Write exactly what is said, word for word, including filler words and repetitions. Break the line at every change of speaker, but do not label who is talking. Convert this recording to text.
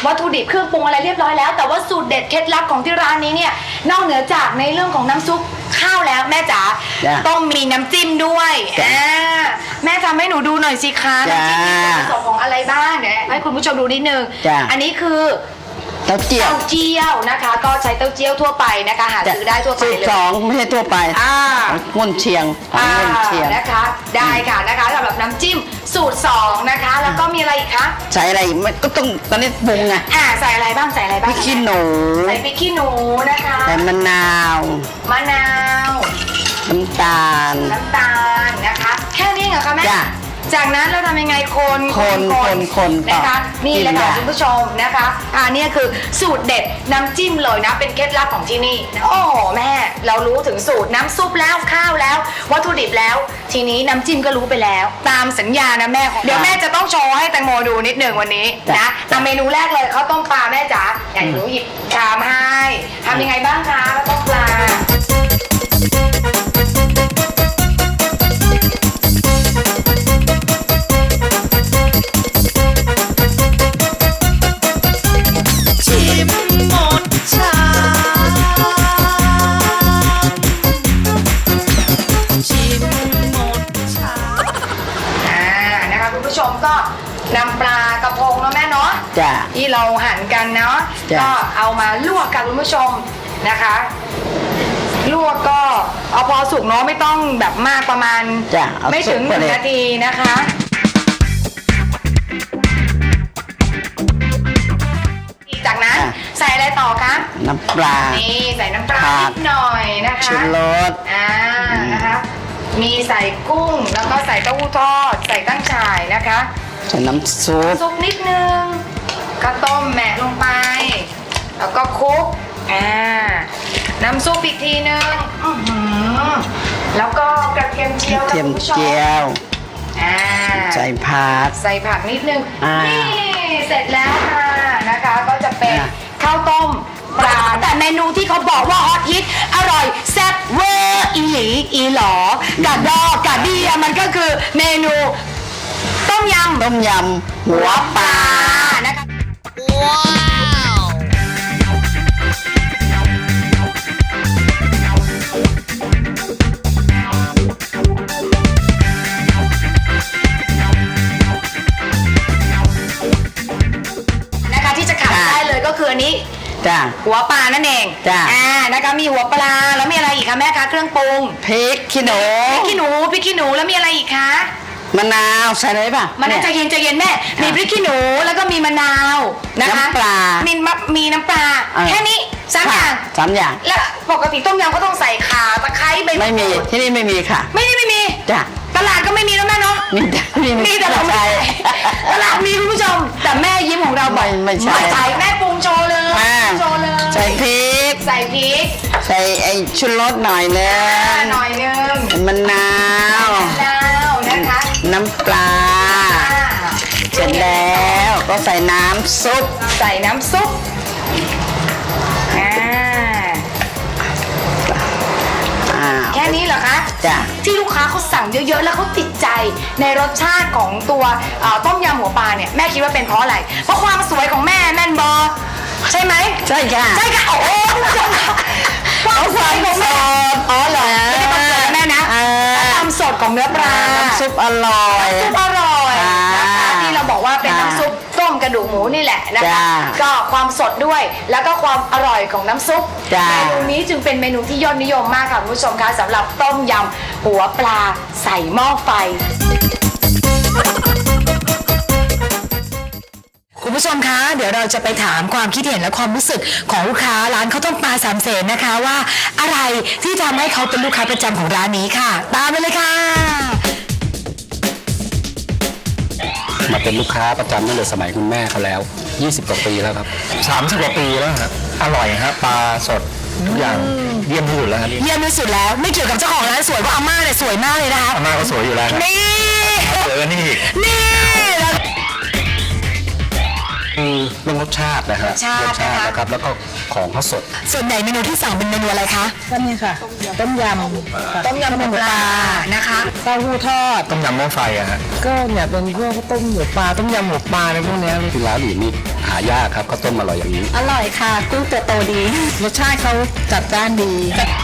วัตถุดิบเครื่องปรุงอะไรเรียบร้อยแล้วแต่ว่าสูตรเด็ดเคล็ดลับของที่ร้านนี้เนี่ยนอกเหนือจากในเรื่องของน้ำซุปข้าวแล้วแม่จ๋าต้องมีน้ำจิ้มด้วยอ่าแม่ทำให้หนูดูหน่อยสิคะน้ำจิ้มมีส่วนผสมของอะไรบ้างเดี๋ยวให้คุณผู้ชมดูนิดนึงอันนี้คือ
เต้าเจี้ยว
เต้าเจี้ยวนะคะก็ใช้เต้าเจี้ยวทั่วไปนะคะหาซื้อได้ทั่วไปเลย
สองไม่ใช่ทั่วไปอ่างุ่นเชียงงุ่นเชียง
นะคะได้ค่ะนะคะสำหรับน้ำจิ้มสูตรสองนะคะแล้วก็มีอะไรอีกคะ
ใส่อะไรไม่ก็ต้องตอนนี้ปรุงไง
อ่าใส่อะไรบ้างใส่อะไรบ้าง
พริกขี้หนู
ใส่พริกขี้หนูนะคะ
ใส่มะนาว
มะนาว
น้ำตาล
น้ำตาลนะคะแค่นี้เหรอคะแม่จากนั้นเราทำยังไงคน
คนคนคน
นะคะนี่แหละค่ะคุณผู้ชมนะคะอ่านี่คือสูตรเด็ดน้ำจิ้มเลยนะเป็นเคล็ดลับของที่นี่โอ้แม่เรารู้ถึงสูตรน้ำซุปแล้วข้าวแล้ววัตถุดิบแล้วทีนี้น้ำจิ้มก็รู้ไปแล้วตามสัญญานะแม่เดี๋ยวแม่จะต้องโชว์ให้แตงโมดูนิดหนึ่งวันนี้นะทำเมนูแรกเลยข้าวต้มปลาแม่จ๋าอย่างหนูหยิบชามให้ทำยังไงบ้างคะข้าวต้มปลาก็นำปลากระพงเนาะแม่เนาะที่เราหั่นกันเนาะก็เอามาลวกกันคุณผู้ชมนะคะลวกก็เอาพอสุกเนาะไม่ต้องแบบมากประมาณไม่ถึงหนึ่งนาทีนะคะจากนั้นใส่อะไรต่อคะ
น้ำปลา
นี่ใส่น้ำปลานิดหน่อยนะคะ
ชูรส
อ่านะคะมีใส่กุ้งแล้วก็ใส่เต้าหู้ทอดใส่ตั้งฉ่ายนะคะ
ใส่น้ำซุป
ซุปนิดนึงก็ต้มแหมะลงไปแล้วก็คลุกอ่าน้ำซุปอีกทีนึงแล้วก็กระเทียมเจียว
กระเทียมเจียว
อ่า
ใส่ผัก
ใส่ผักนิดนึงนี่เสร็จแล้วค่ะนะคะก็จะเป็นข้าวต้มปลาแต่เมนูที่เขาบอกว่าฮอตฮิตอร่อยแซ่บเวอร์อีหลีอีหลอกะดอกะเดียมันก็คือเมนูต้มยำ
ต้มยำหัวปลา
นะคะว้าวนะคะที่จะขาดได้เลยก็คืออันนี้หัวปลานั่นเองอ่านะคะมีหัวปลาแล้วมีอะไรอีกคะแม่คะเครื่องปรุง
พริกขี้หนู
พริกขี้หนูพริกขี้หนูแล้วมีอะไรอีกคะ
มะนาวใส่เลยป่ะ
มะนาวใจเย็นใจเย็นแม่มีพริกขี้หนูแล้วก็มีมะนาวนะคะ
น้ำปลา
มีมีน้ำปลาแค่นี้สามอย่าง
สามอย่าง
แล้วปกติต้มยำก็ต้องใส่ข่าตะไคร้ใบ
ไม่มีที่นี่ไม่มีค่ะ
ไม่ได้ไม่มี
จ้ะ
ตลาดก็ไม่มีแล้วแม่เนาะ
มีแต่
มีแต่เราไม่ตลาดมีคุณผู้ชมแต่แม่ยิ้มของเราบอก
ไม่ใช่
ใส่แม่ปรุงโชว์เลยโชว์เลย
ใส่พริก
ใส่พริก
ใส่ไอ้ชูรสหน่อยนึง
หน่อยนึง
มะนาว
มะนาวนะคะ
น้ำปลาเสร็จแล้วก็ใส่น้ำซุป
ใส่น้ำซุปแค่นี้เหรอคะ
จ้ะ
ที่ลูกค้าเขาสั่งเยอะๆแล้วเขาติดใจในรสชาติของตัวต้มยำหัวปลาเนี่ยแม่คิดว่าเป็นเพราะอะไรเพราะความสวยของแม่แม่นบอใช่ไหม
ใช่ค่ะ
ใช่ค่ะโอ้โห
ความสวยของแม่อ๋อเหรอ
ไม่ได้ความสวยแม่นะความสดของเนื้อปลา
น้ำซุปอร่อย
ซุปอร่อยนะคะที่เราบอกว่าเป็นน้ำซุปต้มกระดูกหมูนี่แหละนะคะก็ความสดด้วยแล้วก็ความอร่อยของน้ำซุปเมนูนี้จึงเป็นเมนูที่ยอดนิยมมากค่ะคุณผู้ชมคะสำหรับต้มยำหัวปลาใส่หม้อไฟคุณผู้ชมคะเดี๋ยวเราจะไปถามความคิดเห็นและความรู้สึกของลูกค้าร้านข้าวต้มปลาสามเสนนะคะว่าอะไรที่ทำให้เขาเป็นลูกค้าประจำของร้านนี้ค่ะตามไปเลยค่ะ
มาเป็นลูกค้าประจำตั้งแต่สมัยคุณแม่เขาแล้วยี่สิบกว่าปีแล้วครับ
สามสิบกว่าปีแล้วครับอร่อยครับปลาสดทุกอย่างเยี่ยมที่สุดแล้วครับ
เยี่ยมที่สุดแล้วไม่เกี่ยวกับเจ้าของร้านสวยเพราะอาม่าเนี่ยสวยมากเลยนะคะ
อาม่าก็สวยอยู่แล้ว
นี่
เจอนี่
นี่
คือเรื่องรสชาตินะฮะรสชาตินะครับแล้วก็ของเขาสด
ส่วนใหญ่เมนูที่สั่งเป็นเมนูอะไรคะ
ก็นี่ค่ะต้มย
ำต้มยำหมูปลานะคะ
เต้าหู้ทอด
ต้มยำหม้อไฟอะฮะ
ก็เนี่ยเป็นพวกต้มหมูปลาต้มยำหมูปลาในพวกนี้
ที่ร้านอื่นนี่หหายากครับข้าวต้มอร่อยอย่างนี้
อร่อยค่ะกุ้งตัวโตดี รสชาติเขาจัดจ้านดีจัด